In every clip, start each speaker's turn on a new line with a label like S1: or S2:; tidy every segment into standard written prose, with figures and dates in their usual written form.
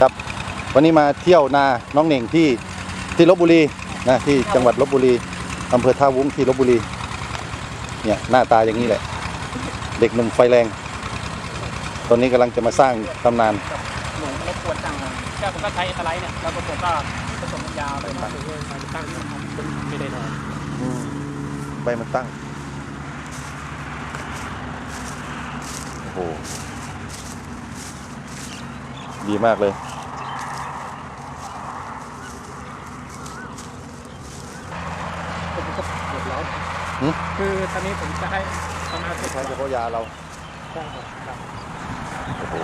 S1: ครับวันนี้มาเที่ยวนาน้องเหน่งที่ลพบุรีนะที่จังหวัดลพบุรีอำเภอท่าวุ้งที่ลพบุรีเนี่ยหน้าตาอย่างนี้แหละเด็กหนุ่มไฟแรงตอนนี้กำลังจะมาสร้างตำนาน
S2: หนูรบกวนจังเลยแค่ผมก็ใช้สไลด์เนี่ยแล้วผมก็ผสมน้ำยาไปมาตั้งไม่ได้นอน
S1: ใบมันตั้งโอ้โหดีมากเลย
S2: ผมก็เดือดร้อนคือตอนนี้ผมจะให้ทำงาน
S1: ใช้เฉพาะยาเรา
S2: ใช่ครับ
S1: โอ้โห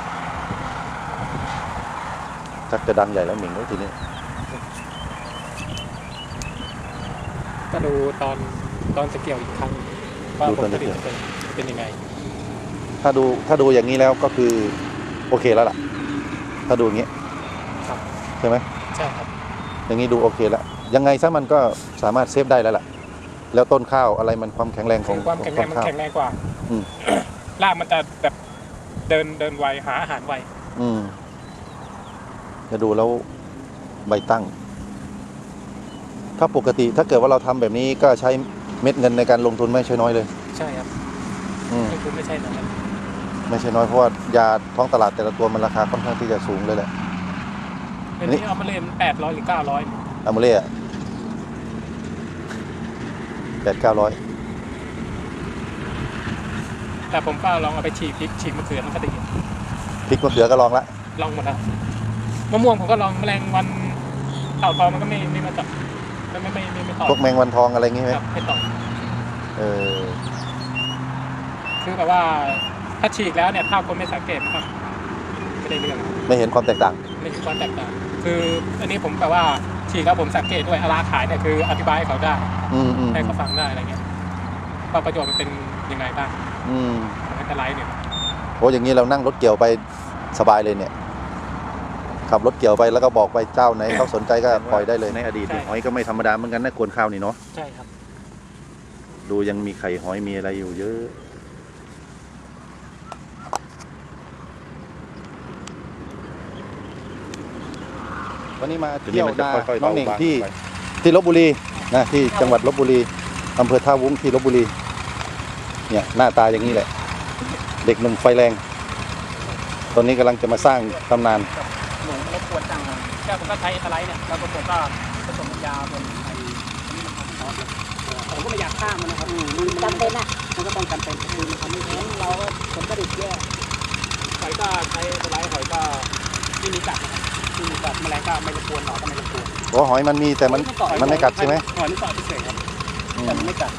S1: ชักจะดังใหญ่แล้วหมิงแล้วทีนี้
S2: ก็ดูตอนจะเกี่ยวอีกครั้งว่าผลผลิตเป็นยังไง
S1: ถ้าดูอย่างนี้แล้วก็คือโอเคแล้วล่ะถ้าดูอย่างนี้ใช่ไหม
S2: ใช่ครับ
S1: อย่างนี้ดูโอเคแล้วยังไงซะมันก็สามารถเซฟได้แล้วล่ะแล้วต้นข้าวอะไรมันความแข็งแรงของ
S2: ความแข็งแรงมันแข็งแรงกว่ารากมันจะแบบเดินไวหาอาหารไว
S1: จะดูแล้วใบตั้งถ้าปกติถ้าเกิดว่าเราทำแบบนี้ก็ใช้เม็ดเงินในการลงทุนไม่ใช่น้อยเลย
S2: ใช่ครับลงทุนไม่ใช่น้อย
S1: ไม่ใช่น้อยเพราะว่ายาท้องตลาดแต่ละตัวมันราคาค่อนข้างที่จะสูงเลยแหละ
S2: อันนี้เอามาเล่น800 หรือ 900
S1: เอามาเล่800-900
S2: แต่ผมก็ลองเอาไปฉีกพริกฉีกมะเขือมันก็ดี
S1: พริกมะเขือก็ลองละ
S2: ลองหมดแล้วมะม่วงผมก็ลองแมลงวันเต่าทองมันก็ไม่มาจับไม่ต่อ
S1: พวกแมงวันทองอะไรงี้ไหม
S2: ไม่ต่อคือแบบว่าถ้าฉีกแล้วเนี่ยถ้าคนไม่สังเกตครับไม่ได้เรื่อง
S1: ไม่เห็นความแตกต่าง
S2: ไม่เห็นความแตกต่างคืออันนี้ผมแบบว่าฉีกแล้วผมสังเกตด้วยราคาขายเนี่ยคืออธิบายให้เขาได้ให้เขาฟังได้อะไรเงี้ยว่าประโยชน์มันเป็นยังไงบ้างไม่เป็นไรเนี่ย
S1: โอ้อย่างนี้เรานั่งรถเกี่ยวไปสบายเลยเนี่ยขับรถเกี่ยวไปแล้วก็บอกไปเจ้าไหนเขาสนใจก็ปล่อยได้เลยในอดีตหอยก็ไม่ธรรมดาเหมือนกันนะกวนข้าวนี่เนาะ
S2: ใช่ครับ
S1: ดูยังมีไข่หอยมีอะไรอยู่เยอะวันนี้มาเที่ยวนาน้องเหน่งที่ลพบุรีนะที่จังหวัดลพบุรีอำเภอท่าวุ้งที่ลพบุรีเนี่ยหน้าตาอย่างนี้แหละเด็กหนุ่มไฟแรงตอนนี้กำลังจะมาสร้างตำนาน
S2: หนูรบกวนจังเลยแค่ผมก็ใช้สไลด์เนี่ยแล้วผมก็ผสมน้ำยาบนไอ้นี่มันทำซอสผมก็ไม่อยากฆ่ามันนะครับมันจำเป็นนะมันก็ต้องจำเป็นคือมันทำไม่งั้นเราก็ผลผลิตแย่หอยก็ใช้สไลด์หอยก็ที่มีกัดนะครับที่มีกัดแมลงก็ไม่รบกวนหนอนก็ไม่รบกวน
S1: โอ้หอยมันมีแต่มันไม่กัดใช่ไหม
S2: หอยนี่เกาะเฉยๆครับแต่มันไม่กัด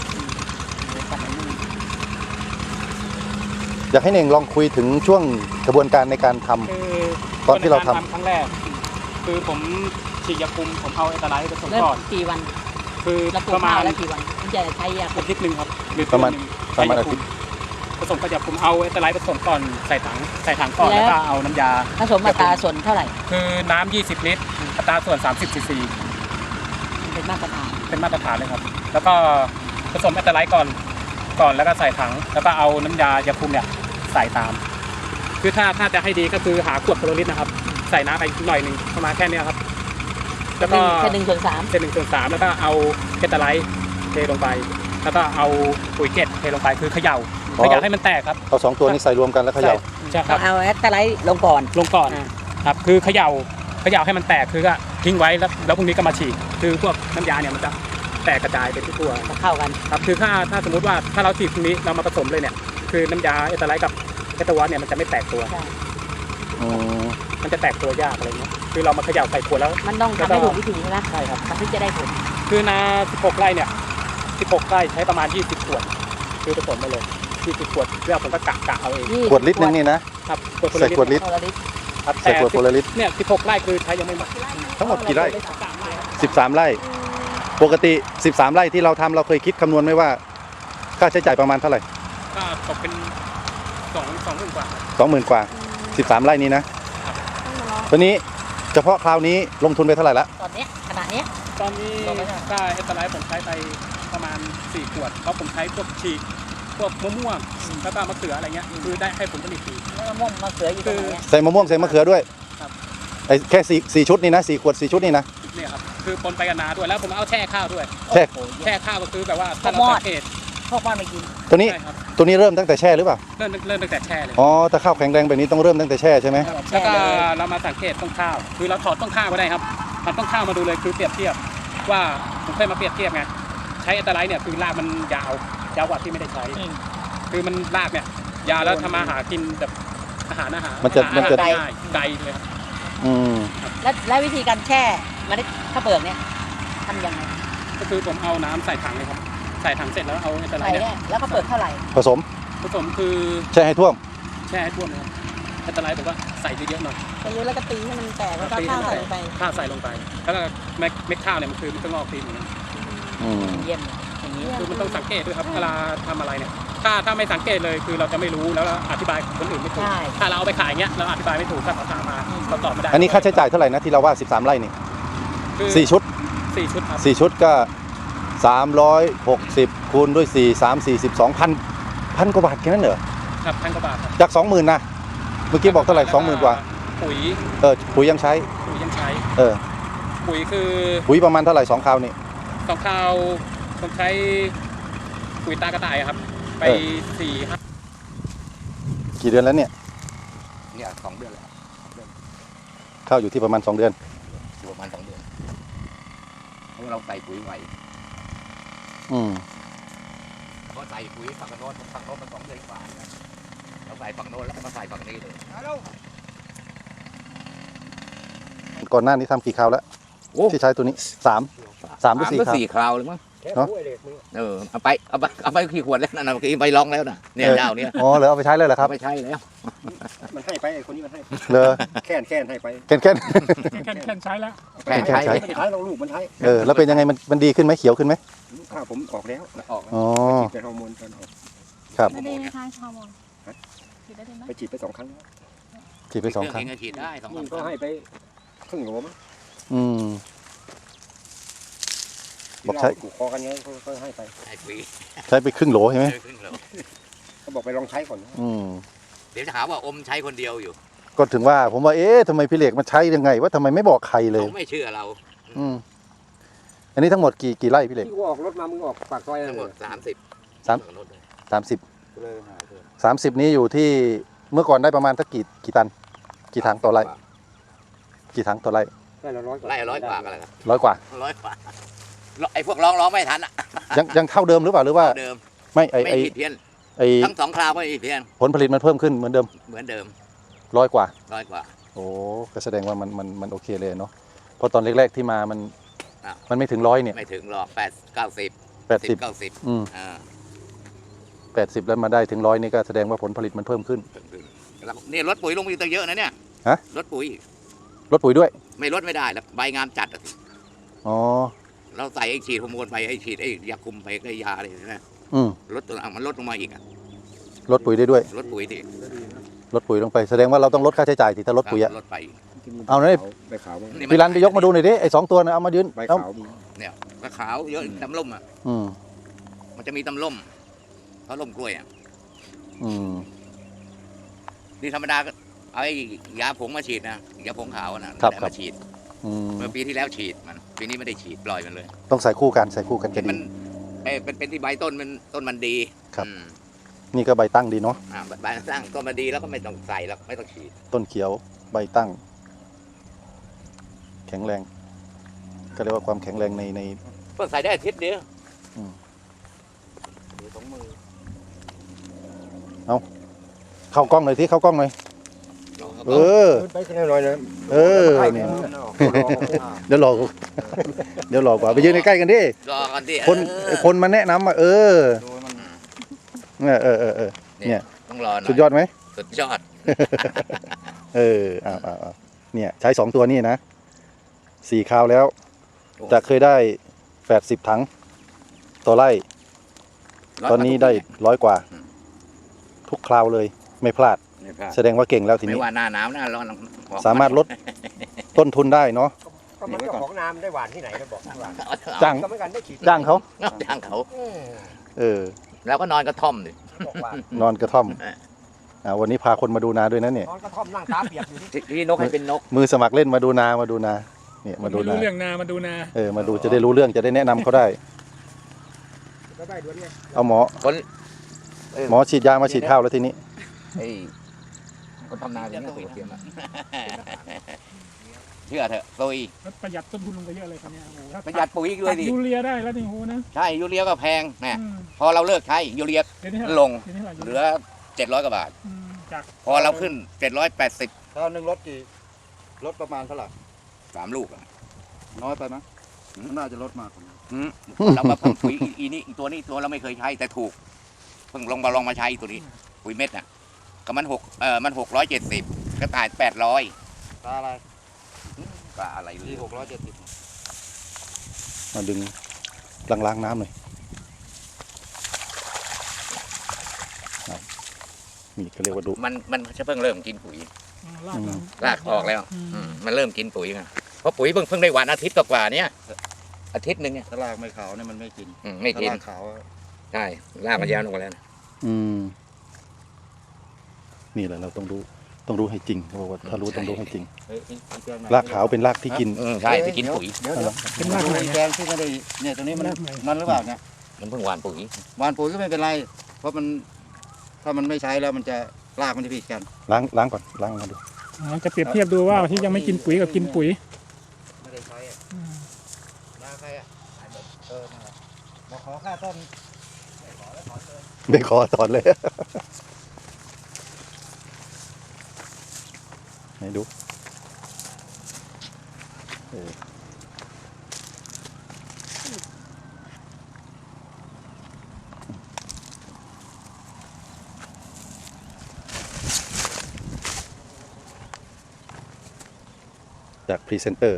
S1: อยากให้เน่งลองคุยถึงช่วงกระบวนการในการทำตอนที่เราทำ
S2: ครั้งแรกคือผมฉีดยาคุมผมเอาเอตาไลท์ผสมก่อน
S3: กี่วัน
S2: คือประมาณ
S3: แล้วกี่วันมันจะใช้ยา
S2: อาทิตย์นึงครับ
S1: ประมาณอาทิตย์
S2: ผสมกับยาคุมเอาเอตาไลท์ผสมก่อนใส่ถังก่อนแล้วก็เอาน้ำยา
S3: ผสมอัตราส่วนเท่าไหร่
S2: คือน้ำ20 ลิตรอัตราส่วน30 ซีซี
S3: เป็นมาตรฐาน
S2: เลยครับแล้วก็ผสมเอตาไลท์ก่อนแล้วก็ใส่ถังแล้วก็เอาน้ำยายาคุมเนี่ยใส่ตามคือถ้าจะให้ดีก็คือหาขวดโลลิตรนะครับใส่น้ำไปหน่อยนึงประมาณแค่นี้ครับ
S3: แล้วก็แค่
S2: 1/3แล้วก็เอาเอตาไลท์เทลงไปแล้วก็เอาปุ๋ยเกล็ดเทลงไปคือเขย่าให้มันแตกครับ
S1: เอา2ตัวนี้ใส่รวมกันแล้วเขย่า
S3: ใช่ครับเอาเอตาไลท์ลงก่อน
S2: ครับคือเขย่าให้มันแตกคือก็ทิ้งไว้แล้วพรุ่งนี้ก็มาฉีดคือพวกน้ำยาเนี่ยมันจะแตกกระจายไปทั่ว
S3: เข้ากัน
S2: ครับคือถ้าสมมติว่าถ้าเราฉีดพรุ่งนี้เรามาผสมเลยเนี่ยคือน้ำยาเอตาไลท์กับเอตาวอสเนี่ยมันจะไม่แตกตัวมันจะแตกตัวยากอะไรเงี้ยคือเรามาเขย่าใส่ขวดแล้ว
S3: มันต้องทำให้ถูกวิธีนะ
S2: ใช่ครับ
S3: ถึงจะได้ผล
S2: คือนา16 ไร่เนี่ย16 ไร่ใช้ประมาณ20 ขวดคือผสมไปเลย20 ขวดแล้วผมก็กะเอาเอง
S1: ขวดลิตรนึงนี่นะครับใส่ขวดลิตรใส่ขวดโพลาริส
S2: เนี่ย16 ไร่คือใช้ยังไม่หมด
S1: ทั้งหมดกี่ไร่13 ไร่ปกติ13 ไร่ที่เราทำเราเคยคิดคำนวณไหมว่าค่าใช้จ่ายประมาณเท่าไหร่
S2: ก็ตกเป็น20,000 กว่า
S1: 20,000 กว่า13 ไร่นี้นะตัวนี้เฉพาะคราวนี้ลงทุนไปเท่าไหร่ละ
S3: ตอนนี้ขนาดนี้
S2: ตอนนี้ได้เอตาไลท์ผมใช้ไปประมาณ4 ขวดเพราะผมใช้พวกฉีกพวกมะม่วงแล้วก็มะเขืออะไรเงี้ยคือได้ให้ผลผลิตดี
S3: มะม่วงมะเขืออยู่ตรงไหน
S1: ใส่มะม่วงใส่มะเขือด้วย
S2: ครับ
S1: ไอ้แค่สี่ชุดนี่นะ4 ขวด 4 ชุดนี่นะ
S2: เนี่ยครับคือปนไปกับนาด้วยแล้วผมเอาแช่ข้าวด้วย
S1: แช่
S2: แช่ข้าวก็คือแบบว่าถ้าเราสังเกต
S3: พวกมันไม่กิน
S1: ตัวนี้
S2: ใช่ครับ
S1: ตัวนี้เริ่มตั้งแต่แช่หรือเปล่า
S2: เริ่มตั้งแต่แช่เลย
S1: อ๋อแต่ข้าวแข็งแรงแบบนี้ต้องเริ่มตั้งแต่แช่ใช่ไหม
S2: แล้วก็เรามาสังเกตต้นข้าว คือเราถอดต้นข้าวมาได้ครับถอดต้นข้าวมาดูเลยคือเปรียบเทียบว่าผมเคยมาเปรียบเทียบไงใช้อัลตราไลท์เนี่ยคือรากมันยาวยาวกว่าที่ไม่ได้ใช้ คือมันรากเนี่ยยาวแล้วทำมาหากินแบบอาหาร
S1: มันจะ
S2: ง่ายไกลเลยครับ
S1: อืม
S3: และวิธีการแช่เมล็ดข้าวเปลือกเนี่ยทำยังไง
S2: ก็คือผมเอาน้ำใส่ถังเลยครับใส่ถังเสร็จแล้วเอาอัลตราไล
S3: ใส่
S2: ท์เนี่ย
S3: เนี่ยแล้วก็เปลือกเท่าไหร่
S1: ผสม
S2: ผสมคือ
S1: แช่ให้ท่วม
S2: แช่ให้ท่วมเลยครับอัลตราไลท์ผมว่าใส่เยอะๆหน่อย
S3: ไปเยอะแล้วก็ตีให้มันแตกแล้วก็ข้าวใส่ลงไป
S2: ข้าวใส่ลงไปแล้วก็เม็ดข้าวเนี่ยมันคือมันก็งอกตีนเหมือนกัน
S1: อืม
S3: เยี่ยมเลยอย่างนี้
S2: คือมันต้องสังเกตด้วยครับเวลาทำอะไรเนี่ยถ้าไม่สังเกตเลยคือเราจะไม่รู้แล้วเราอธิบายคนอื่นไม่ถูก
S3: ใช่
S2: ถ้าเราเอาไปขายเงี้ยเราอธิบายไม่ถูกถ้าเขาถามมาเราตอบไม่ได้
S1: อันนี้ค่าใช้จ่ายเท่าไหร่นะที่เราว่า13 ไร่นี่
S2: คือ
S1: 4 ชุด
S2: 4 ชุดครับ
S1: 4 ชุดก็ 360คูณด้วย4 3 42พันกว่าบาทแค่นั้นเหรอ
S2: ครับ1,000 กว่าบาทครับ
S1: จาก 20,000นะเมื่อกี้บอกเท่าไหร่ 20,000 กว่า
S2: ปุ๋ย
S1: ปุ๋ยยังใช้
S2: ยังใช้ ปุ๋ยคือ
S1: ปุ๋ยประมาณเท่าไหร่2 คราวนี่
S2: สองข้าวผมใช้ปุ๋ยตากระต่ายครับไป 4-5
S1: กี่เดือนแล้วเนี่ย
S4: เนี่ย2 เดือนแล้ว
S1: ข้าวอยู่ที่ประมาณ2 เดือน
S4: อยู่ประมาณ2 เดือนเพราะเราใส่ปุ๋ยไหว
S1: อืม
S4: เพราะใส่ปุ๋ยฝั่งโน้นมัน2 เดือนกว่านะเราใส่ฝั่งโน้นแล้วก็มาใส่ฝั่งนี้เลย
S1: ก่อนหน้านี้ทำกี่คราวแล้ว
S4: โอ้
S1: ที่ใช้ตัวนี้3หรือ4 คราว
S4: 4 คราวเลยมั้ง
S1: เนอะ
S4: เอาไปกี่ขวดแล้วนะเมื่อกี้ไปลองแล้วนะเนี่ยเจ้าเนี่ย
S1: อ๋อเหรอเอาไปใช้เลยเหรอครับ
S4: เอาไปใช้แล้ว
S5: มันให้ไปไอ้คนนี้มันให้
S1: เลอ
S5: แค่นให้ไป
S1: แค่น
S2: แค่ใช้แล้ว
S4: แค่ใช้
S1: ใช้
S5: มันใช้เราลูกมันใช้
S1: แล้วเป็นยังไงมันดีขึ้นไหมเขียวขึ้นไหม
S5: ลูกข้าวผมออกแล้ว
S4: ออกแล้ว
S1: อ๋อ
S5: ฉีดไปฮอร์โมนตอนออก
S1: ครับ
S6: ไม่ได้นะคะฮอร์โมนฉีดได้ไหม
S5: ไปฉีดไป2 ครั้งแล้ว
S1: ฉีดไป2 ครั้ง
S4: เองก็ฉีดได้2
S5: นี่ก็ให้ไปครึ่งโหลมั้ง
S1: อืม บอกใช้
S5: ที่เราถูกคอกันเนี้ยเขาให้ไป
S4: ให้ปุ๋ย
S1: ใช้ไปครึ่งโหลใช่ไหม
S4: ครึ่งโหล
S5: เขาบอกไปลองใช้ก่อนนะ
S1: อืม
S4: เดี๋ยวจะหาว่าอมใช้คนเดียวอยู่
S1: ก็ถึงว่าผมว่าทำไมพี่เหล็กมันใช้ยังไงว่าทำไมไม่บอกใครเลย
S4: เขาไม่เชื่อเรา
S1: อืมอันนี้ทั้งหมดกี่ไร่พี่เหล็ก
S5: ที่กูออกรถมามึงออกปากซอย
S4: ทั้งหมด
S5: เลย
S4: 30
S1: สาม
S4: ฝั่งโน้นเลย
S1: 30นี้อยู่ที่เมื่อก่อนได้ประมาณสักกี่ตัน กี่ถังต่อไร่กี่ถังต่อไร่
S5: ได้ละ100 กว่า
S4: ไล่100 กว่ากันเลยครับ
S1: 100 กว่า
S4: 100 กว่าไอ้พวกร้องไม่ทันอ่ะ
S1: ยังเท่าเดิมหรือเปล่าหรือว่า
S4: เดิม
S1: ไม่ไอ
S4: ไม่
S1: ไอ
S4: ผิดเพี้ยน
S1: ไอ
S4: ทั้ง2 คราวไม่ผิดเพี้ยน
S1: ผลผลิตมันเพิ่มขึ้นเหมือนเดิม
S4: เหมือนเดิม
S1: 100 กว่า
S4: 100 กว่า
S1: โอ้ก็แสดงว่ามันโอเคเลยเนาะเพราะตอนแรกๆที่มามัน
S4: อ่ะ
S1: มันไม่ถึง100เนี่ย
S4: ไม่ถึงหรอก90
S1: 80
S4: 90
S1: อืม
S4: อ่า
S1: 80แล้วมาได้ถึง100นี่ก็แสดงว่าผลผลิตมันเพิ่มขึ้น
S4: แล้วนี่ลดปุ๋ยลงไปอีกตั้งเยอะนะเนี่ย
S1: ฮะ
S4: ลดปุ๋ย
S1: ลดปุ๋ยด้วย
S4: ไม่ลดไม่ได้แล้วใบงามจัดอะสิ
S1: อ๋อ
S4: เราใส่ไอ้ฉีดฮอร์โมนไปไอ้ฉีดไอ้ยาคุมไปไอ้ยาอะไรนะ
S1: อืม
S4: ลดตัวมันลดลงมาอีกอะ
S1: ลดปุ๋ยได้ด้วย
S4: ลดปุ๋ยดิ
S1: ลดปุ๋ยลงไปแสดงว่าเราต้องลดค่าใช้จ่ายที่ถ้าลดปุ๋ยอะ
S4: ลดไปอีก
S1: เอาเลย
S5: ใบขาวมั้ง
S1: พี่รันไปยกมาดูหน่อยดิไอ้2 ตัวนะเอามายืน
S5: ใบ
S1: เอา
S5: ขาวมี
S4: เนี่ยกระขาวเยอะตำล่มอ่ะ
S1: อืม
S4: มันจะมีตำล่มเขาล่มกล้วยอ่ะ
S1: อืม
S4: นี่ธรรมดาก็เอาไอ้ยาผงมาฉีดนะยาผงขาวน่ะ
S1: ครับ
S4: ได้
S1: ครับ
S4: มาฉีด
S1: อืม
S4: เมื่อปีที่แล้วฉีดมันปีนี้ไม่ได้ฉีดปล่อยมันเลย
S1: ต้องใส่คู่กันจะดี
S4: มันเป็นที่ใบต้นมันดี
S1: ครับ
S4: อืม
S1: นี่ก็ใบตั้งดีเนาะ
S4: ใบสร้างต้นมันดีแล้วก็ไม่ต้องใส่แล้วไม่ต้องฉีด
S1: ต้นเขียวใบตั้ง แข็งแรง ก็เรียกว่าความแข็งแรงใน
S4: เพิ่งใส่ได้อาทิตย์เดียว
S1: เข้ากล้องหน่อยที่เข้ากล้องหน่อยเออ
S5: ไปขึ้นหน่อยนะ
S1: เออเนี่ยเดี๋ยวรอเดี๋ยวรอกว่าไปยืนใกล้ๆกันดิ
S4: รอกันดิ
S1: คนมาแนะนำเออเนี่ยเนี่ย
S4: ต้องรอหน่อย
S1: สุดยอดไหม
S4: สุดยอด
S1: เอาเนี่ยใช้2 ตัวนี่นะ4 คราวแล้วจะเคยได้80 ถังต่อไร่ ตอนนี้ได้100 กว่า ทุกคราวเลยไม่พลาด แสดงว่าเก่งแล้วที
S4: ไม่
S1: นี้
S4: ว่าหน้าหนาวหน้าร้อน
S1: สามารถลดต้นทุนได้เนาะ
S5: ก็มันเจ้าของน้ำได้หวานที่ไหนก็บอกหวาน
S1: จ้าง
S5: ก็ไม่กันได้ฉีด
S1: จ้างเขา
S4: จ้างเขา
S1: เออ
S4: แล้วก็นอนกระท่อมดิ
S5: บอกว่า
S1: นอนกระท่อมวันนี้พาคนมาดูนาด้วยนะเนี่ย
S5: นอนกระท่อมนั่งตาเปียกอยู่ที่
S4: ที่นกให้เป็นนก
S1: มือสมัครเล่นมาดูนาเนี่ยมาดู
S2: ไม่
S1: นา
S2: รู้เรื่องนามาดูนา
S1: มาดูจะได้รู้เรื่องจะได้แนะนำเขาได้
S5: ก็ได้ด้วยไง
S1: เอาหมอ
S4: คน
S1: หมอฉีดยามาฉีดข้าวแล้วทีนี้
S4: ไอ้คนทำนาอย่างนี้ตัวเทียมอะเชื่อเถอะโซย
S2: ประหยัดต้นทุนลงไปเยอะเลยครับเนี่ยโอ้โหถ้า
S4: ประหยัดปุ๋ยอีกด้วยดิ
S2: ยูเรียได้แล้วนี่โหนะ
S4: ใช่ยูเรียก็แพงนะ
S2: อืม
S4: พอเราเลิกใช้ยูเรีย
S2: เดี๋ยวนี้
S4: ลง
S2: เดี๋ยวนี้
S4: เหลือ700 กว่าบาท
S2: จาก
S4: พอเราขึ้น780
S1: ข้าวหนึ่งรถกี่รถประมาณเท่าไหร่
S4: 3 ลูกอะ
S1: น้อยไปไหมน่าจะลดมาก
S4: เรามาเพิ่มปุ๋ยอีตัวนี้ตัวเราไม่เคยใช้แต่ถูกเพิ่งลองมาใช้ตัวนี้ปุ๋ยเม็ดน่ะก็มัน670ก็ตาย800
S1: ตาอะไร
S4: ก็อะไรหรื
S1: ที่
S4: อ
S1: 670มาดึงล้างน้ำหน่อยนี่ก็เรียกว่าดุ
S4: มันจะเพิ่งเริ่มกินปุ๋ย
S2: ลากมัน
S4: รากออกแล้วมันเริ่มกินปุ๋ยไงเพราะปุ๋ยเพิ่งได้หวานอาทิตย์กว่าๆเนี้ยอาทิตย์หนึ่งเนี่ย
S1: ถ้ารากไม่ขาวเนี่ยมันไม่กิน
S4: ไม่กิน
S1: ถ้ารากขาว
S4: ใช่รากมันยาวลงมาแล้วนะ
S1: นี่แหละเราต้องรู้ให้จริงเขาบอกว่าถ้ารู้ต้องรู้ให้จริงรากขาวเป็นรากที่กิน
S4: ใช่ที่กินปุ๋ย
S1: เดี๋ยว
S2: เป็นรากไหน
S1: แกงที่ไม่ได้เนี่ยตรงนี้มันนั่นหรือเปล่าเนี่ย
S4: มันเพิ่งหวานปุ๋ย
S1: หวานปุ๋ยก็ไม่เป็นไร เพราะมันถ้ามันไม่ใช้แล้วมันจะรากมันจะผิดกันล้างก่อนล้างมาดู
S2: จะเปรียบเทียบดูว่าที่ยังไม่กินปุ๋ยกับกินปุ๋ย
S1: ไม่ได้ใช้นาใครมาขอค่าต้นไม่ขอถอนเลยให้ดูจากพรีเซนเตอร์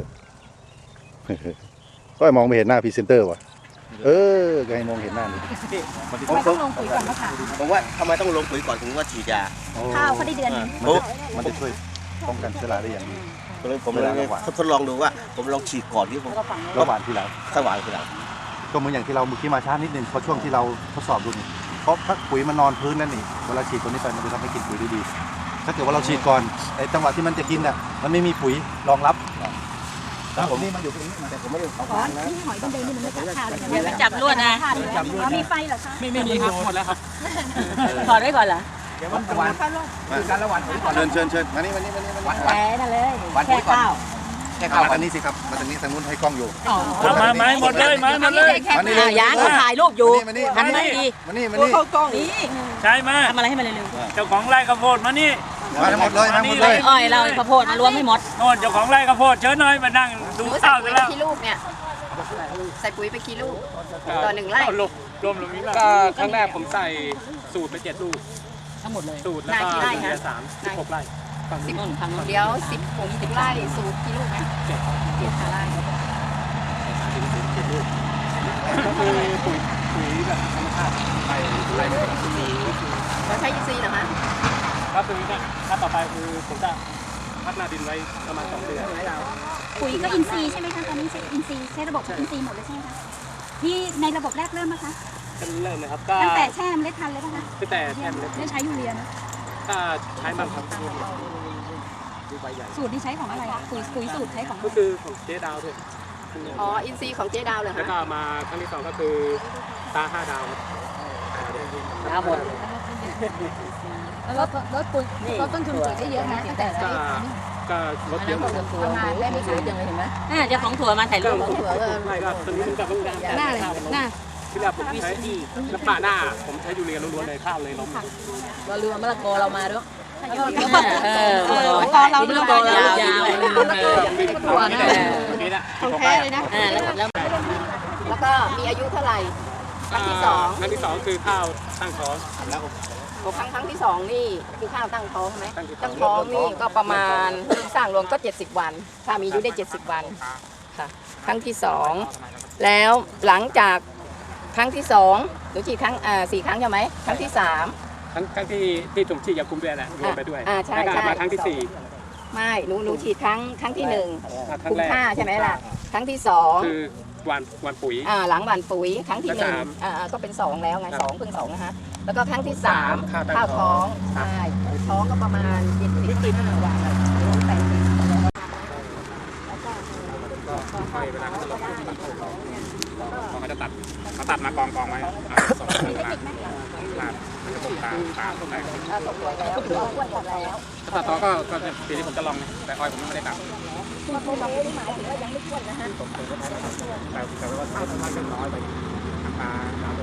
S1: ก็มองไม่เห็นหน้าพรีเซนเตอร์ว่ะไงมองเห็นหน้าดิ
S3: ทำไมต้องลงปุ๋ยก่อนมะขาม
S7: ผมว่าทำไมต้องลงปุ๋ยก่อนถึงว่าฉีดยา
S3: ข้าวเขาได้เดือนหนึง
S1: มันจะช่วยป้องกันเชื้อราได้อย่างดี
S7: ก็เลยผมเลยทดลองดูว่า ผมลองฉีดก่อนที่ผม
S3: แล้วก็ฝัง
S1: ระหว่างที่หลัง
S7: สว่างคือหลัง
S1: ก็เหมือนอย่างที่เราเมื่อกี้มาช้านิดนึงเพราะช่วงที่เราทดสอบดูนี่เพราะถ้าปุ๋ยมันนอนพื้นนั่นนี่เวลาฉีดตัวนี้ไปมันจะทำให้กินปุ๋ยได้ดีถ้าเกิดว่าเราฉีดก่อนไอ้จังหวะที่มันจะกินน่ะมันไม่มีปุ๋ยรองรับผมนี่มันอยู่ตรงนี้แต่ผมไม่ได้เอา
S3: ขอ
S1: มานะ
S3: นี่หอยเป็นเดนนี่มันไม่จับข้าวเลย
S6: อย่าไปจับลวดนะ
S3: อ๋อมีไฟเหรอคะ
S2: ไม่มีครับหมดแล้วครับ
S3: ถอดไว้ก่อนเหรอ
S5: เดี๋ยวมันวันคือการละวันปุ๋ยก่อน
S1: เชิญมานี่
S3: แหวนนั่นเลยแค่ข้าว
S4: แค่
S1: เข้า
S4: ข้าว
S1: มาทางนี้สิครับมาทางนี้ทางนู้นให้กล้องอยู่
S2: เอามาหมดเลยมาเลย
S1: มานี่
S3: ยางเขาถ่ายรูปอยู่
S1: มานี่
S3: หันไม่ดี
S1: มานี่
S3: นี่
S2: ใช่มา
S3: ทำอะไรให้มันเร็ว
S2: เจ้าของไร่ข้าวโพดมานี่
S1: มาทั้งหมดเลยมาหมดเลย
S3: ๆอ้อยเราข้าวโพดมารวมให้หมด
S2: โน่นเจ้าของไร่ข้าวโพดเชิญหน่อยมานั่งดูข้าวกันแล้ว
S8: กี่ลูกเนี่ยใส่ปุ๋ยไปกี่ลูกต่อ1 ไร่
S2: รวมลงนี้ก็ครั้งแรกผมใส่สูตรไป7 ลูก
S3: ทั้งหมดเลย
S2: สูตรแล้วก็เหลือ16 ไร่ฝั่งนี้
S8: เดี๋ยว10 ไร่สูตรกี่ลูกนะ7 ไร่
S2: ก็คือปุ๋ยแบบธรรมชาติไปไร่ไม่ต้องซื้อ
S8: เราใช้ECเหรอคะ
S2: ก็คือเนี่ยถ้าต่อไปคือผมจะพักหน้าดินไว้ประมาณ2 เดือน
S6: ปุ๋ยก็อินทรีย์ใช่ไหมคะตอนนี้ใช้อินทรีย์ใช้ระบบอินทรีย์หมดเลยใช่ไหมคะที่ในระบบแรกเริ่มนะคะ
S2: กันเริ่มเลยครับก็
S6: ตั้งแต่แช่เมล็ดพันธุ์เลยป่ะคะ
S2: ตั้งแต่แค่เล็ก
S6: ไม่ใช้ยูเรียนะ
S2: ก็ใช้มันครับดูใบใหญ่
S6: สูตรที่ใช้ของอะไรอะปุ๋ยสูตรใช้ของ
S2: ก็คือของเจ๊ดาวด้วย
S8: อ๋ออินซีของเจ๊ดาวเหรอ
S2: แล้ว
S8: คะ
S2: ก็มาครั้งที่ 2ก็คือตา5 ดาว
S3: ทั้งหมด
S6: ลดปุ๋ยลดต้นทุนปุ๋ยได้เยอะนะตั้งแต่ใช้
S2: ก็ลดเยอะ
S6: ประมาณได้ไม่ถึง
S3: ยังเลยเห็นไหมเจ้าของถั่วมาถ่ายรูป
S2: ไม่ก็ตอนนี้ผมจะต้อง
S6: หน้าเลยหน้า
S2: ที่แรกผมใช้น้ำปลาหน้าผมใช้ยูเรียล้วนๆเลยข้าวเลยล้ม
S3: เราลืมมะละกอเรามาด้วย
S6: ตอนเรา
S3: มะละกอยาว
S2: ถั่วนี่นะ
S8: ของแท้เลยนะ
S3: แล้ว
S8: แล้วก็มีอายุเท่าไหร่ครั้งที่
S2: ครั้งที่ 2คือข้าวตั้งท้องแล้ว
S8: 2ครั้งที่ 2นี่คือข้าวตั้งท้องไหม
S2: ตั้งท้อง
S8: ตั้งท้องนี่ก็ประมาณสร้างรวมก็70 วัน ถ้ามีอายุได้70 วันค่ะครั้งที่ 2 แล้วหลังจากครั้งที่2หรือกี่ครั้ง4 ครั้งใช่ไหมครั้งที่ 3
S2: ครั้งที่ถุงฉีดยาคุมด้วยแหละรวมไปด้วย
S8: ใช่
S2: แล้วก็
S8: ใช่
S2: มาครั้งที่
S8: ไม่หนูฉีดครั้งที่
S2: 4 ครั้
S8: คุ
S2: ง
S8: ม
S2: แรก
S8: ค่าใช่ไหมล่ะครั้งที่
S2: คือวันปุ๋ย
S8: 2หลังหว่านปุ๋ยครั้งที่
S2: และสาม
S8: 1ก็เป็น2แล้วไง2เพิ่ง2นะคะแล้วก็ครั้งที่สามข้าวท้องใช่ท้องก็ประมาณ75 วัน
S2: เขาจะตัดมากองไว้สองคนมาจะตรงตาตรงไหนถ้าต่อก็ปีนี้ผมจะลองแต่อ้อยผมไม่ได้ตัดแต่ว่าถ้ามันเป็นน้อยไปตา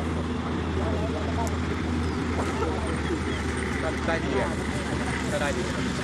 S2: ก็ได้ดีก็ได้ดี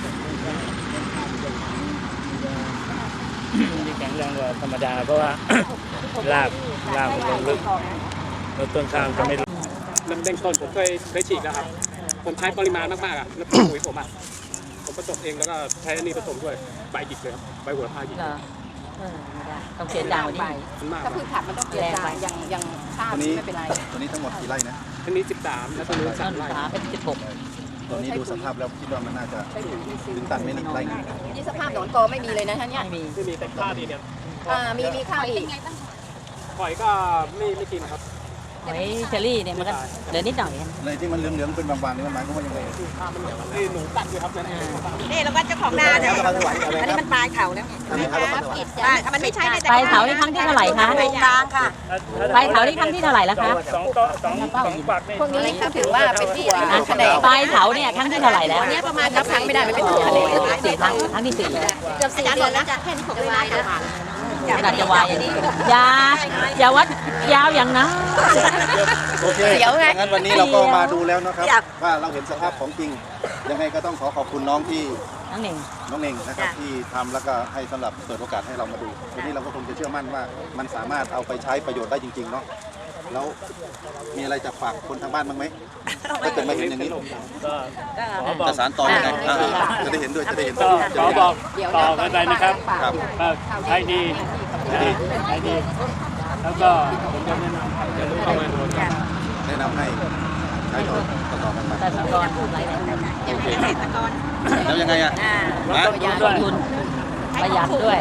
S9: ที่แข็งแรงกว่าธรรมดาเพราะว่า รากมันลงลึกแล้วต้นข้าวจะไม่
S2: ลำเด้งต้นผมเคยฉีกแล้วครับผมใช้ปริมาณมากๆอ่ะแล้วปุ๋ยผมผสมเองแล้วก็ใช้อันนี้ผสมด้วยใบหยิกเลยใบหัวพาหยิก
S3: ต้องเขียนยาวนี่
S2: มันมาก
S8: ถ้าพืชผักมันต้องเปลี่ยนจางอย่างข้าวไม่เป็นไร
S1: ตัวนี้ทั้งหมดกี่ไร่นะ
S2: อันนี้13แล้วตัวนี้
S3: ต้น
S2: 3ไร่
S3: ขาเป็น16
S1: ตัวนี้ดูสภาพแล้วคิดว่ามันน่าจะถึงตันไม่นิดไร่นึง
S8: นี่สภาพหนอนกอไม่มีเลยนะท่านเนี่ย
S3: ไม่มี
S2: ไม่มีแต่ข้าวดีเนี่ย
S8: มีข้าวอีก
S2: หอยก็ไม่กินครับ
S3: หอยเชอรี่เนี่ยมันก็เหลือนิดหน่อย
S1: ในที่มันเหลืองๆเป็นบางๆนี่มันหมายความว่ายังไง
S2: ข้าวมันเหนียวไอ้หนูตัดอยู่ครับนั่นเอง
S3: นี่แล้วก็เจ้าของนาเนี่ยอันนี้มันปลายเขาแล้วมันไม่ใช่ปลายเขานี่ครั้งที่เท่าไหร่คะกลางค่ะปลายเขานี่ครั้งที่เท่าไหร่แล้วคะ
S9: 2 ปักนี่
S8: พวกนี้เขาถือว่าเป็นที่คะแนน
S3: ปลายเขาเนี่ยครั้งที่เท่าไหร่แล้ว
S8: เนี่ยประมาณนับครั้งไม่ได้มันเป็นคะแนน
S3: 4 ครั้งที่ 4
S8: เกือบ4 เดือนแล้วจะแค่นี้ผมวายแล้ว
S3: ขนาดจะวายอย่าวัดยาวอย่างนั้น
S1: โอเคงั้นวันนี้เราก็มาดูแล้วนะครับว่าเราเห็นสภาพของจริงยังไงก็ต้องขอบคุณน้องที่
S3: น้องหนึ่ง
S1: น้องเน่งนะครับที่ทำแล้วก็ให้สำหรับเปิดโอกาสให้เรามาดูวันนี้เราก็คงจะเชื่อมั่นว่ามันสามารถเอาไปใช้ประโยชน์ได้จริงๆเนาะแล้วมีอะไรจะฝากคนทางบ้านบ้างไหมถ้าเกิดมาเห็นอย่างนี้
S9: ก็ขอบอก
S1: จะสารต่อยังไงจะได้เห็นด้วยจะได้เห็น
S9: ก็ขอบอกต่อกันไปนะครับ
S1: ครับ
S9: ก็ใช้ดีใช้ดีแล้วก็ผมจะแนะนำจะรู้เข้ามาดูกัน
S1: แนะนำให้ใช้ต่อกันไป
S3: แต่สกรอะไรเนี่ย
S1: แล้วยังไงอ่ะ
S3: ลงทุนประหยัดด้วย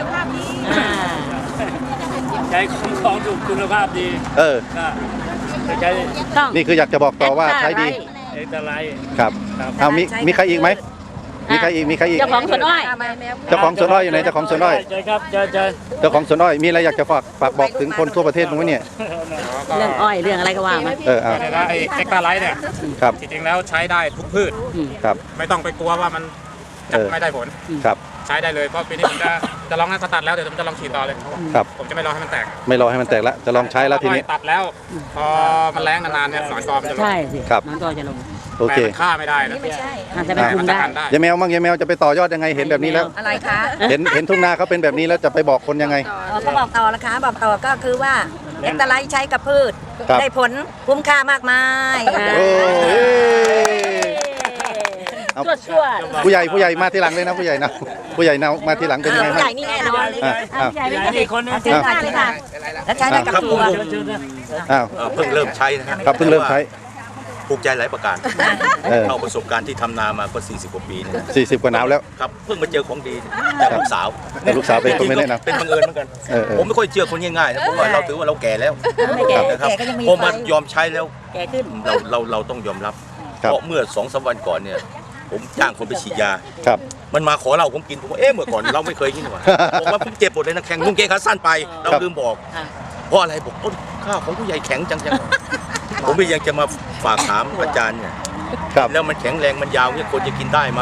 S9: ใช้ของถูกคุณภาพดี
S1: เออ
S9: ก็ใช้
S3: ต้อง
S1: นี่คืออยากจะบอกต่อว่าใช้ดี
S9: เอกไลท์
S1: ครับ
S9: ครับ
S1: เอามีใครอีกไหมมีใครอีก
S3: เจ้าของสวนอ้อย
S1: เจ้าของสวนอ้อยอยู่ไหนเจ้าของสวนอ้อย
S9: ใช่ครับใช่
S1: เจ้าของสวนอ้อยมีอะไรอยากจะฝากบอกถึงคนทั่วประเทศมั้งเนี่ย
S3: เรื่องอ้อยเรื่องอะไรก็ว่ามา
S1: เออเอา
S2: แล้วไอ้เอ็กตาไลท์เนี่ย
S1: ครับ
S2: จริงๆแล้วใช้ได้ทุกพืช
S1: ครับ
S2: ไม่ต้องไปกลัวว่ามันจะไม่ได้ผล
S1: ครับ
S2: ใช้ได้เลยเพราะปีนี้ผมจะลองให้เขาตัดแล้วเดี๋ยวผมจะลองฉีดต่อเลย
S1: ครับ
S2: ผมจะไม่รอให้มันแตก
S1: ไม่รอให้มันแตกละจะลองใช้แล้วทีนี้
S2: ตัดแล้ว พอมันแรงนานๆเนี่ยหนอนกอมันจะลง
S3: ใช่สิ
S1: ครับ
S3: น้องก็จะลง
S1: โอเค
S2: แต่มันฆ่าไม่ได้นะ
S3: อาจจะไปคุมได้
S2: ได้
S1: ยายแมวมั่งยายแมวจะไปต่อยอดยังไงเห็นแบบนี้แล้ว
S8: อะไรคะ
S1: เห็นทุ่งนาเขาเป็นแบบนี้แล้วจะไปบอกคนยังไง
S10: ก็บอกต่อนะคะบอกต่อก็คือว่าเอ็กตาไลท์ใช้กับพืช
S1: ครับ
S10: ได้ผลคุ้มค่ามากมาย
S1: โอ้ยเอา
S3: ชั่ว
S1: ผู้ใหญ่มาทีหลังเลยนะผู้ใหญ่นะผู้ใหญ่นะมาทีหลังเป็นยังไง
S10: ผู้
S1: บ้าง
S10: ใหญ่นี่แน่นอน
S1: อ้าว
S3: ใหญ่ไม่ใช่
S9: อีกคนนึง
S10: เชิญค่ะเลยค่ะแล้วใช้ได้กับตัว
S1: อ้าว
S7: เพิ่งเริ่มใช้นะครับ
S1: ครับเพิ่งเริ่มใช้
S7: ภูมิใจหลายประการ
S1: เออ
S7: เราประสบการณ์ที่ทำนามาก็40 กว่าปีเนยนะ
S1: 40 กว่าหนาวแล้ว
S7: ครับเพิ่งมาเจอของดีจากลูกสาว
S1: แต่ลูกสาวเป็นคนไม่แนะนำ
S7: เป็นบังเอิญเหมือนกัน
S1: เออ
S7: ผมไม่ค่อยเชื่อคนง่ายๆนะเพราะว่าเราถือว่าเราแก่แล้ว
S10: ไม่แก่
S7: นะครับ
S10: แก่ก็ยังมี
S7: พอ
S10: ไฟ
S7: มายอมใช้แล้ว
S3: แก่ขึ้น
S7: เราต้องยอมรับ
S1: ครับ
S7: เพราะเมื่อ2-3 วันก่อนเนี่ยผมจ้างคนไปฉีดยา
S1: ครับ
S7: มันมาขอเราผมกินผมว่าเมื่อก่อนเราไม่เคยกินหรอบอกว่าผมเจ็บปวดเลยนะแข็งลุงเกขาสั้นไปเราลืมบอก
S3: อ่า
S7: เพราะอะไรบอกต้นข้าวของผู้ใหญ่แข็งจังผมไม่ยังจะมาฝากถามอาจารย์เนี่ย
S1: ครับ
S7: แล้วมันแข็งแรงมันยาวเนี่ยคนจะกินได้ไหม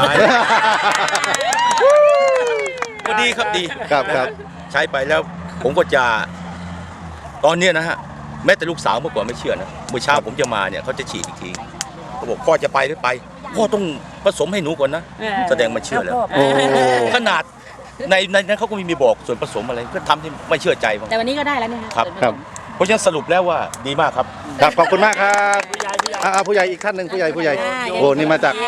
S7: ก็ดีครับดี
S1: ครับครับ
S7: ใช้ไปแล้วผมก็จะตอนเนี้ยนะฮะแม้แต่ลูกสาวเมื่อก่อนไม่เชื่อนะเมื่อเช้าผมจะมาเนี่ยเขาจะฉีดอีกทีเขาบอกพ่อจะไปหรือไปพ่อต้องผสมให้หนูก่อนนะแสดงมันเชื่อแล้ว
S1: โอ้
S7: ขนาดในนั้นเขาก็มีบอกส่วนผสมอะไรก็ทำที่ไม่เชื่อใจผม
S3: แต่วันนี้ก็ได้แล้วเนี่ย
S7: ครับ
S1: ครับ
S7: เพราะฉะนั้นสรุปแล้วว่าดีมากครับ
S1: ครับขอบคุณมากครับผู้ใหญ่อีกท่านหนึ่งผู้ใหญ่โอ้นี่มาจาก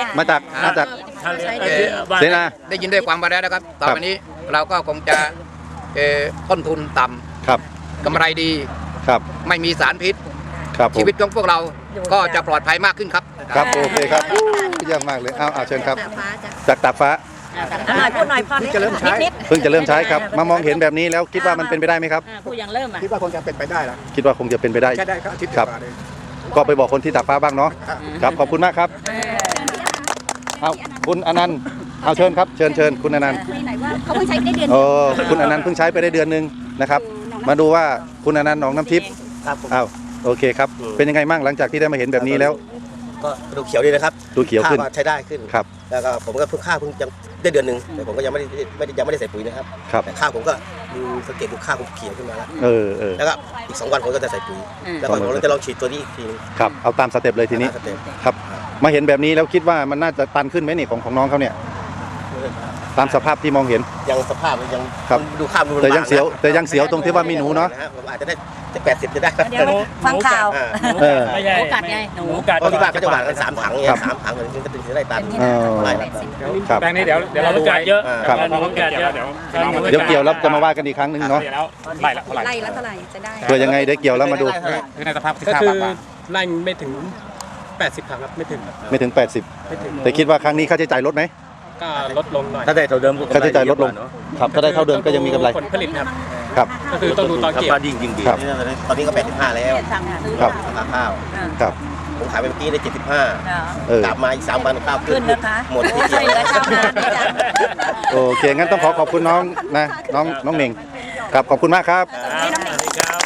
S1: เสนา
S5: ได้ยินได้ฟังมาแล้วนะครับ ต่อไปนี้เราก็คงจะต้นทุนต่ำ
S1: ครับ
S5: กำไรดี
S1: ครับ
S5: ไม่มีสารพิษ
S1: ครับผม
S5: ชีวิตของพวกเราก็จะปลอดภัยมากขึ้นครับ
S1: ครับโอเคครับเยี่ยมมากเลยเอาเชิญครับ จากตากฟ้า
S10: พูดหน่อยพอนิดนิด
S1: เพิ่งจะเริ่มใช้ครับมามองเห็นแบบนี้แล้วคิดว่ามันเป็นไปได้ไหมครับ
S3: ผู้ยังเริ่มอ่ะ
S5: คิดว่าคงจะเป็นไปได้แล้ว
S1: คิดว่าคงจะเป็นไปได้
S5: แค่ได้ก็อาทิตย์
S1: ครับ
S5: กว่าเลย
S1: ก็ไปบอกคนที่ตากฟ้าบ้างเนาะครับขอบคุณมากครับเอาคุณอนันต์เอาเชิญครับเชิญคุณอนันต์
S6: ไหนว่าเขาเพิ่งใช้ได้เดือน
S1: คุณอนันต์เพิ่งใช้ไปได้เดือนนึงนะครับมาดูว่าคุณอนันต์หนองน้ำทิพย์
S11: ครับผม
S1: อ้าวโอเคครับเป็นยังไงมั่งหลังจากที่ได้มาเห็นแบบนี้แล้ว
S11: ก็ดูเขียวดีนะครับ
S1: ดูเขียวขึ้น
S11: ข้าใช้ได้ขึ้น
S1: ครับ
S11: แล้วก็ผมก็เพิ่งข้าวเพิ่งยังได้เดือนหนึ่งแต่ผมก็ยังไม่ได้ใส่ปุ๋ยนะครับ
S1: ครับ
S11: แต่ข้าวผมก็ดูสังเกตดูข้าวผมเขียวขึ้นมาแล้ว
S1: เออ
S11: แล้วก็อีก2 วันผมก็จะใส่ปุ๋ยแล้วก็ผมจะลองฉีดตัวนี้อีกทีนึง
S1: ครับเอาตามสเต็ปเลยทีนี้
S11: สเต็ป
S1: ครับมาเห็นแบบนี้แล้วคิดว่ามันน่าจะตันขึ้นไหมนี่ของน้องเขาเนี่ยตามสภาพที่มองเห็น
S11: ยังสภาพมันยัง
S1: ครับ
S11: ดูข้าวดู
S1: แต่ยังเสียวตรงที่ว่ามีหนูเนาะ
S11: ผมอาจจะได้80จะได้
S10: เดี๋ยวฟังข่าว
S1: เออ
S9: ไม่ใช่
S10: หนูกัดไงหนู
S9: กัด
S11: เพราะที่บ้านเขาจะหวานกัน3 ถังเนี่ย
S1: ครับ
S11: 3 ถังถึงจะได้ตัน
S1: เออ
S11: ไล่ละตัน
S1: ครับ
S9: แปลงนี้เดี๋ยวเราดูกัดเยอะ
S1: ครับ
S9: หนูกัดเยอะ
S1: เดี๋ยวเกี่ยวแล้วจะมาว่ากันอีกครั้งหนึ่งเนาะ
S9: แล้วไล่ละเท่าไหร่
S10: ไล่ละเท่าไหร่จะได้
S1: เพื่อยังไงได้เกี่ยวแล้วมาดู
S9: คือในสภาพที่
S2: ก็
S9: ข้าว
S2: คือ
S9: ปาก
S2: ไล่ไม่ถึง80 ครั้งครับไม่ถึง
S1: ไม่ถึง
S2: ไม่ถึง
S1: 80 แต่คิดว่าครั้งนี้ค่าใช้จ่ายลดไหม
S2: ก็ลดลงหน่อย
S7: ถ้าได้เท่าเดิมก็
S1: ค่าใช้จ่ายลดลงครับถ้าได้เท่าเดิมก็ยังมีกำไร
S2: ผลผลิตครับ
S1: ครับ
S2: ก็คือต้องดูตอน
S7: ถ้า
S2: เกี่ยว
S7: ปลายิ่งดี
S1: ครับ
S11: ตอนนี้ก็85แล้ว
S1: ครับ
S11: ราคาข้าว
S1: ครับ
S11: ผมขายไปเมื่อกี้ได้75
S1: เออก
S11: ลับมาอีก3 วันข้าวขึ้
S10: ขึ้
S11: น
S10: นนะคะ
S11: หมดที่
S10: ช่วยเหลือชาวนาด้วยจ้ะ
S1: โอเคงั้นต้องขอบคุณน้องนะน้องเหน่งครับขอบคุณมากครับ
S6: ให้น้องเด็ก